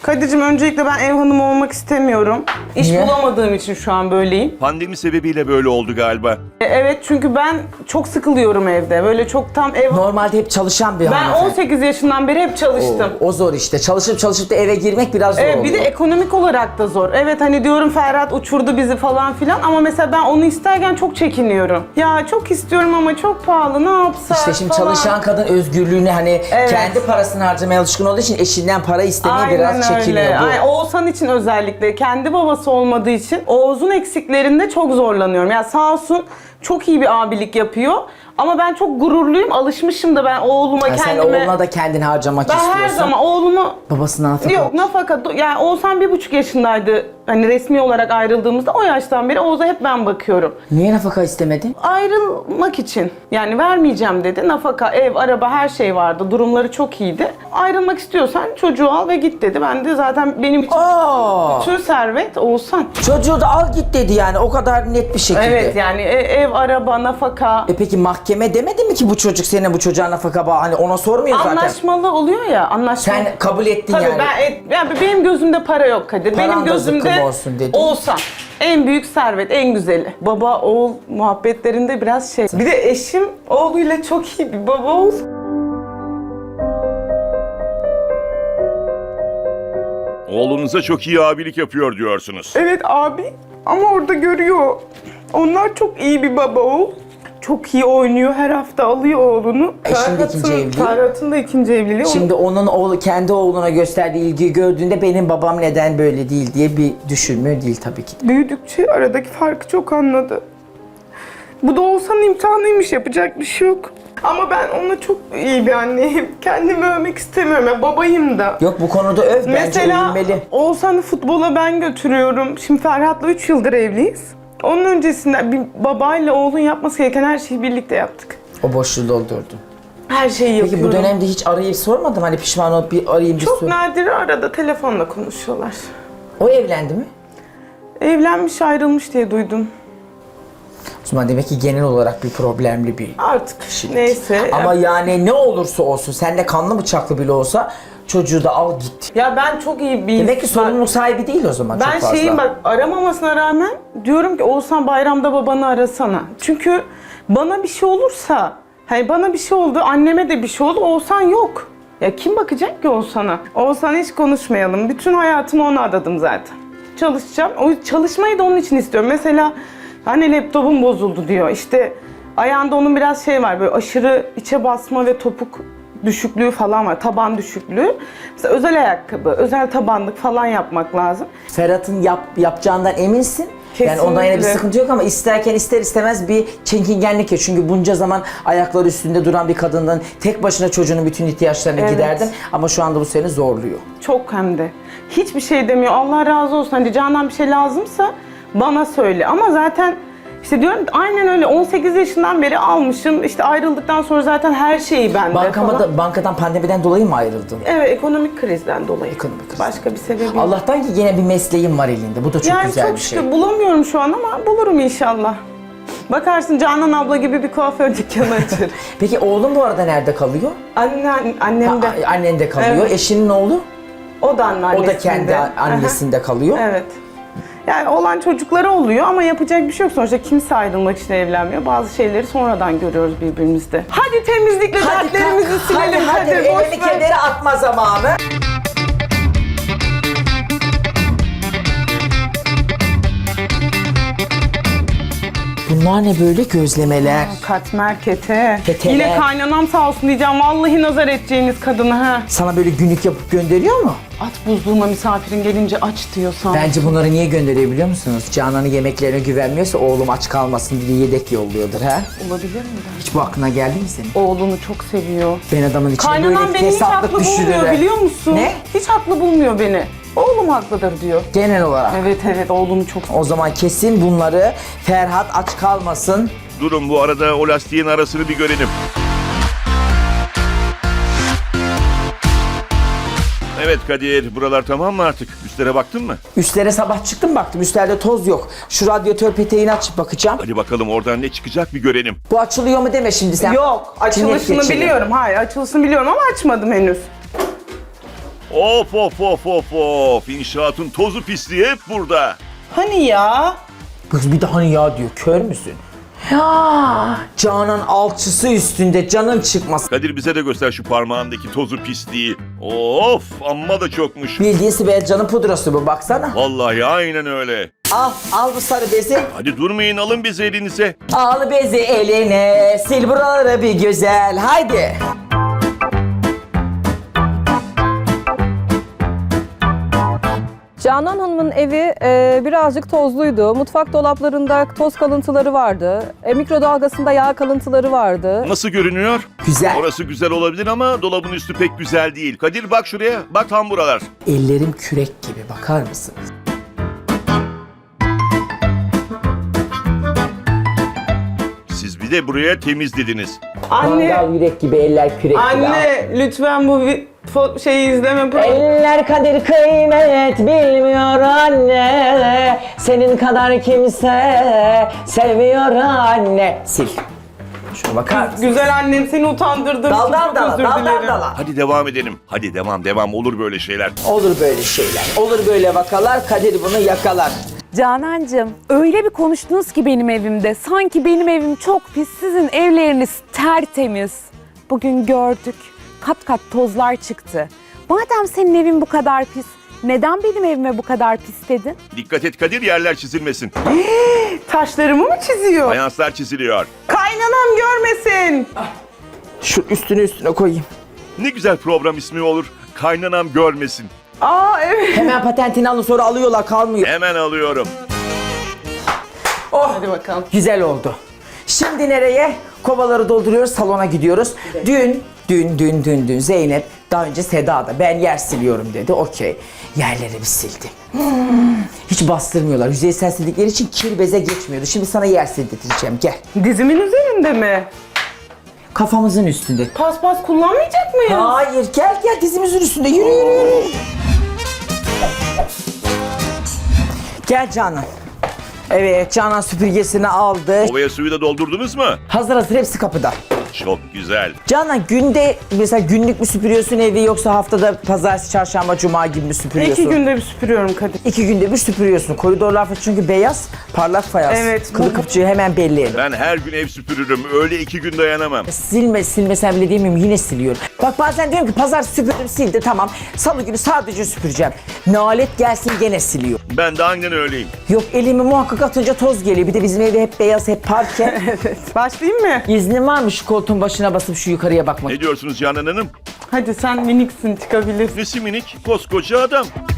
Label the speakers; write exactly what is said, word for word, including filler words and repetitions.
Speaker 1: Kadir'cim öncelikle ben ev hanımı olmak istemiyorum. İş
Speaker 2: Niye?
Speaker 1: bulamadığım için şu an böyleyim.
Speaker 3: Pandemi sebebiyle böyle oldu galiba.
Speaker 1: E, Evet çünkü ben çok sıkılıyorum evde. Böyle çok tam ev...
Speaker 2: Normalde hep çalışan bir
Speaker 1: Ben
Speaker 2: hanımefendi.
Speaker 1: on sekiz yaşından beri hep çalıştım.
Speaker 2: O, o zor işte. Çalışıp çalışıp da eve girmek biraz zor
Speaker 1: Evet,
Speaker 2: oluyor.
Speaker 1: bir de ekonomik olarak da zor. Evet hani diyorum Ferhat uçurdu bizi falan filan ama mesela ben onu isterken çok çekiniyorum. Ya çok istiyorum ama çok pahalı, ne yapsak
Speaker 2: İşte şimdi
Speaker 1: falan.
Speaker 2: çalışan kadın özgürlüğünü hani
Speaker 1: Evet.
Speaker 2: kendi parasını harcamaya alışkın olduğu için eşinden para istemeye
Speaker 1: Aynen
Speaker 2: biraz çekiniyor
Speaker 1: öyle.
Speaker 2: bu.
Speaker 1: Aynen. Oğuzhan için özellikle kendi babası olmadığı için Oğuz'un eksiklerinde çok zorlanıyorum. Yani sağ olsun çok iyi bir abilik yapıyor. Ama ben çok gururluyum. Alışmışım da ben oğluma
Speaker 2: Yani sen
Speaker 1: kendime...
Speaker 2: oğluna da kendini harcamak
Speaker 1: Ben
Speaker 2: istiyorsun.
Speaker 1: her zaman oğlumu...
Speaker 2: Babasından nafaka.
Speaker 1: Yok nafaka, yani Oğuzhan bir buçuk yaşındaydı. Hani resmi olarak ayrıldığımızda o yaştan beri Oğuz'a hep ben bakıyorum.
Speaker 2: Niye nafaka istemedin?
Speaker 1: Ayrılmak için. Yani vermeyeceğim dedi. Nafaka, ev, araba her şey vardı. Durumları çok iyiydi. Ayrılmak istiyorsan çocuğu al ve git dedi. Ben de zaten benim için
Speaker 2: Aa,
Speaker 1: bütün servet Oğuzhan.
Speaker 2: çocuğu da al git dedi yani o kadar net bir şekilde.
Speaker 1: Evet yani e- ev, araba, nafaka.
Speaker 2: E peki mahkeme demedi mi ki bu çocuk senin bu çocuğa nafaka bağ? Hani ona sormuyor zaten.
Speaker 1: Anlaşmalı oluyor ya, anlaşmalı.
Speaker 2: Sen kabul ettin
Speaker 1: Tabii
Speaker 2: yani.
Speaker 1: ben, et- yani benim gözümde para yok Kadir.
Speaker 2: Paran
Speaker 1: Benim
Speaker 2: da
Speaker 1: gözümde
Speaker 2: zıkkım olsun dedin.
Speaker 1: Oğuzhan. En büyük servet, en güzeli. Baba oğul muhabbetlerinde biraz şey. Bir de eşim oğluyla çok iyi bir baba oğul.
Speaker 3: Oğlunuza çok iyi abilik yapıyor diyorsunuz.
Speaker 1: Evet abi ama orada görüyor. Onlar çok iyi bir baba oğul. Çok iyi oynuyor, her hafta alıyor oğlunu.
Speaker 2: Eşin de ikinci evliliği.
Speaker 1: Ferhat'ın da ikinci evliliği.
Speaker 2: Şimdi onun oğlu kendi oğluna gösterdiği ilgiyi gördüğünde benim babam neden böyle değil diye bir düşünmüyor değil tabii ki.
Speaker 1: Büyüdükçe aradaki farkı çok anladı. Bu da Oğuzhan'ın imtihanıymış, yapacak bir şey yok. Ama ben ona çok iyi bir anneyim. Kendimi övmek istemiyorum. Ben babayım da.
Speaker 2: Yok bu konuda öv bence
Speaker 1: Mesela
Speaker 2: övülmeli.
Speaker 1: Oğuzhan'ı futbola ben götürüyorum. Şimdi Ferhat'la üç yıldır evliyiz. Onun öncesinde bir babayla oğlun yapması gereken her şeyi birlikte yaptık.
Speaker 2: O boşluğu doldurdu.
Speaker 1: Her şeyi yapıyorum.
Speaker 2: Peki bu dönemde hiç arayıp sormadım hani pişman olup bir arayayım bir
Speaker 1: Çok
Speaker 2: sor.
Speaker 1: nadir arada telefonla konuşuyorlar.
Speaker 2: O evlendi mi?
Speaker 1: Evlenmiş, ayrılmış diye duydum.
Speaker 2: O zaman demek ki genel olarak bir problemli bir
Speaker 1: Artık
Speaker 2: kişilik.
Speaker 1: neyse.
Speaker 2: Ama yani ne olursa olsun, seninle kanlı bıçaklı bile olsa çocuğu da al git.
Speaker 1: Ya ben çok iyi bir
Speaker 2: Demek ki
Speaker 1: insan-
Speaker 2: sorumluluk sahibi değil o zaman çok
Speaker 1: Ben
Speaker 2: fazla.
Speaker 1: şeyim bak, aramamasına rağmen diyorum ki Oğuzhan bayramda babanı arasana. Çünkü bana bir şey olursa, hani bana bir şey oldu, anneme de bir şey oldu, Oğuzhan yok. Ya kim bakacak ki Oğuzhan'a? Oğuzhan'a hiç konuşmayalım. Bütün hayatımı ona adadım zaten. Çalışacağım. O çalışmayı da onun için istiyorum. Mesela hani laptopum bozuldu diyor. İşte ayağında onun biraz şey var, böyle aşırı içe basma ve topuk düşüklüğü falan var, taban düşüklüğü. Mesela özel ayakkabı, özel tabanlık falan yapmak lazım.
Speaker 2: Ferhat'ın yap, yapacağından eminsin. Yani ondan yine bir
Speaker 1: Kesinlikle.
Speaker 2: sıkıntı yok ama isterken ister istemez bir çekingenlik ya. Çünkü bunca zaman ayakları üstünde duran bir kadından tek başına çocuğunun bütün ihtiyaçlarını
Speaker 1: Evet.
Speaker 2: giderdin. Ama şu anda bu seni zorluyor.
Speaker 1: Çok hem de. Hiçbir şey demiyor. Allah razı olsun. Hani Canan bir şey lazımsa bana söyle. Ama zaten işte diyorum aynen öyle. on sekiz yaşından beri almışım. İşte ayrıldıktan sonra zaten her şeyi bende
Speaker 2: Bankama
Speaker 1: falan.
Speaker 2: da, bankadan pandemiden dolayı mı ayrıldın?
Speaker 1: Evet, ekonomik krizden dolayı.
Speaker 2: Ekonomik kriz.
Speaker 1: Başka bir sebebi yok.
Speaker 2: Allah'tan ki yine bir mesleğin var elinde. Bu da çok
Speaker 1: yani
Speaker 2: güzel
Speaker 1: çok
Speaker 2: bir şey.
Speaker 1: şükür bulamıyorum şu an ama bulurum inşallah. Bakarsın Canan abla gibi bir kuaför dükkanı açar.
Speaker 2: Peki oğlun bu arada nerede kalıyor?
Speaker 1: Anne, annem de.
Speaker 2: Ha, annen de kalıyor.
Speaker 1: Evet.
Speaker 2: Eşinin oğlu?
Speaker 1: O da anneannesinde.
Speaker 2: O da kendi annesinde kalıyor.
Speaker 1: Evet. Yani olan çocukları oluyor ama yapacak bir şey yok. Sonuçta kimse ayrılmak için evlenmiyor. Bazı şeyleri sonradan görüyoruz birbirimizde. Hadi temizlikle dertlerimizi
Speaker 2: kalk,
Speaker 1: silelim.
Speaker 2: Hadi hadi,
Speaker 1: boş
Speaker 2: elini
Speaker 1: ver.
Speaker 2: kenara atma zamanı. Bunlar ne böyle gözlemeler?
Speaker 1: Katmer kete.
Speaker 2: Keteler.
Speaker 1: Yine kaynanam sağ olsun diyeceğim. Vallahi nazar edeceğiniz kadını ha.
Speaker 2: Sana böyle günlük yapıp gönderiyor mu?
Speaker 1: At buzluğuma misafirin gelince aç diyorsan.
Speaker 2: Bence bunları niye gönderiyor biliyor musunuz? Canan'ın yemeklerine güvenmiyorsa oğlum aç kalmasın diye yedek yolluyordur ha.
Speaker 1: Olabilir mi?
Speaker 2: Hiç bu aklına geldi mi senin?
Speaker 1: Oğlunu çok seviyor.
Speaker 2: Ben adamın içine
Speaker 1: Kaynanam
Speaker 2: böyle
Speaker 1: beni hiç
Speaker 2: fesatlık
Speaker 1: haklı bulmuyor
Speaker 2: düşürürler.
Speaker 1: biliyor musun?
Speaker 2: Ne?
Speaker 1: Hiç haklı bulmuyor beni. Oğlum haklıdır diyor.
Speaker 2: Genel olarak.
Speaker 1: Evet evet oğlunu çok
Speaker 2: O zaman kesin bunları Ferhat aç kalmasın.
Speaker 3: Durun bu arada o lastiğin arasını bir görelim. Evet Kadir, buralar tamam mı artık? Üstlere baktın mı?
Speaker 2: Üstlere sabah çıktım baktım üstlerde toz yok. Şu radyatör peteğini açıp bakacağım.
Speaker 3: Hadi bakalım oradan ne çıkacak bir görelim.
Speaker 2: Bu açılıyor mu deme şimdi sen.
Speaker 1: Yok,
Speaker 2: Cinnet
Speaker 1: açılışını
Speaker 2: geçirir.
Speaker 1: biliyorum. Hayır, açılışını biliyorum ama açmadım henüz.
Speaker 3: Of of of of of. İnşaatın tozu pisliği hep burada.
Speaker 1: Hani ya?
Speaker 2: Kız bir de hani ya diyor, kör müsün? Ya Canan alçısı üstünde, canın çıkmaz.
Speaker 3: Kadir bize de göster şu parmağındaki tozu pisliği. Of amma da çokmuş.
Speaker 2: Bildiğin Sibel Can'ın pudrası bu, baksana.
Speaker 3: Vallahi aynen öyle.
Speaker 2: Al, al bu sarı bezi.
Speaker 3: Hadi durmayın, alın bizi elinize.
Speaker 2: Al bezi eline, sil buraları bir güzel, haydi.
Speaker 4: Canan Hanım'ın evi e, birazcık tozluydu. Mutfak dolaplarında toz kalıntıları vardı. E, mikrodalgasında yağ kalıntıları vardı.
Speaker 3: Nasıl görünüyor?
Speaker 2: Güzel.
Speaker 3: Orası güzel olabilir ama dolabın üstü pek güzel değil. Kadir bak şuraya, bak tam buralar.
Speaker 2: Ellerim kürek gibi, bakar mısınız?
Speaker 3: Siz bir de buraya temiz dediniz.
Speaker 1: Anne,
Speaker 2: Mangal yürek gibi, eller kürek gibi.
Speaker 1: anne lütfen bu vi- fo- şeyi izleme.
Speaker 2: Eller kadir kıymet bilmiyor anne. Senin kadar kimse sevmiyor anne. Sil. Şuna bakar mısın?
Speaker 1: Güzel annem, seni utandırdım.
Speaker 2: Daldan
Speaker 1: Çok
Speaker 2: dala,
Speaker 1: özür
Speaker 2: daldan
Speaker 1: dilerim.
Speaker 2: dala.
Speaker 3: Hadi devam edelim. Hadi devam devam, olur böyle şeyler.
Speaker 2: Olur böyle şeyler. Olur böyle vakalar, Kadir bunu yakalar.
Speaker 5: Canancığım, öyle bir konuştunuz ki benim evimde. Sanki benim evim çok pis, sizin evleriniz tertemiz. Bugün gördük, kat kat tozlar çıktı. Madem senin evin bu kadar pis, neden benim evime bu kadar pis dedin?
Speaker 3: Dikkat et Kadir, yerler çizilmesin.
Speaker 1: Taşlarımı mı çiziyor?
Speaker 3: Fayanslar çiziliyor.
Speaker 1: Kaynanam görmesin.
Speaker 2: Şu üstüne üstüne koyayım.
Speaker 3: Ne güzel program ismi olur. Kaynanam görmesin.
Speaker 1: Aa evet.
Speaker 2: Hemen patentini alın, sonra alıyorlar, kalmıyor.
Speaker 3: Hemen alıyorum.
Speaker 2: Oh,
Speaker 1: Hadi bakalım.
Speaker 2: güzel oldu. Şimdi nereye? Kovaları dolduruyoruz, salona gidiyoruz. Dün, dün, dün, dün, dün Zeynep, daha önce Seda da ben yer siliyorum dedi. Okey. Yerleri bir sildi. Hmm, hiç bastırmıyorlar. Yüzeysel sildikleri için kir beze geçmiyordu. Şimdi sana yer sildireceğim. Gel.
Speaker 1: Dizimin üzerinde mi?
Speaker 2: Kafamızın üstünde.
Speaker 1: Paspas kullanmayacak mıyız?
Speaker 2: Hayır, gel gel, dizimizin üstünde. Yürü yürü yürü. Gel Canan. Evet, Canan süpürgesini aldı.
Speaker 3: Ovaya suyu da doldurdunuz mu?
Speaker 2: Hazır hazır, hepsi kapıda.
Speaker 3: Çok güzel.
Speaker 2: Canan, günde mesela günlük mü süpürüyorsun evi, yoksa haftada pazartesi, çarşamba, cuma gibi mi süpürüyorsun?
Speaker 1: İki günde bir süpürüyorum Kadir.
Speaker 2: İki günde bir süpürüyorsun. Koridorlar falan çünkü beyaz, parlak fayans.
Speaker 1: Evet,
Speaker 2: Kılı
Speaker 1: bu-
Speaker 2: kıpçığı hemen belli.
Speaker 3: Ben her gün ev süpürürüm. Öyle iki gün dayanamam.
Speaker 2: Silme silmesen bile diyemiyorum, yine siliyorum. Bak bazen diyorum ki pazar süpürdüm, sildi, tamam. Salı günü sadece süpüreceğim. Nalet gelsin, gene siliyor.
Speaker 3: Ben de aynen öyleyim.
Speaker 2: Yok, elimi muhakkak atınca toz geliyor. Bir de bizim evde hep beyaz, hep parke.
Speaker 1: Evet. Başlayayım mı?
Speaker 2: İznin var mı şu koltuğun başına basıp şu yukarıya bakmak?
Speaker 3: Ne diyorsunuz Canan Hanım?
Speaker 1: Hadi sen miniksin, çıkabilirsin.
Speaker 3: Nesi minik? Koskoca adam.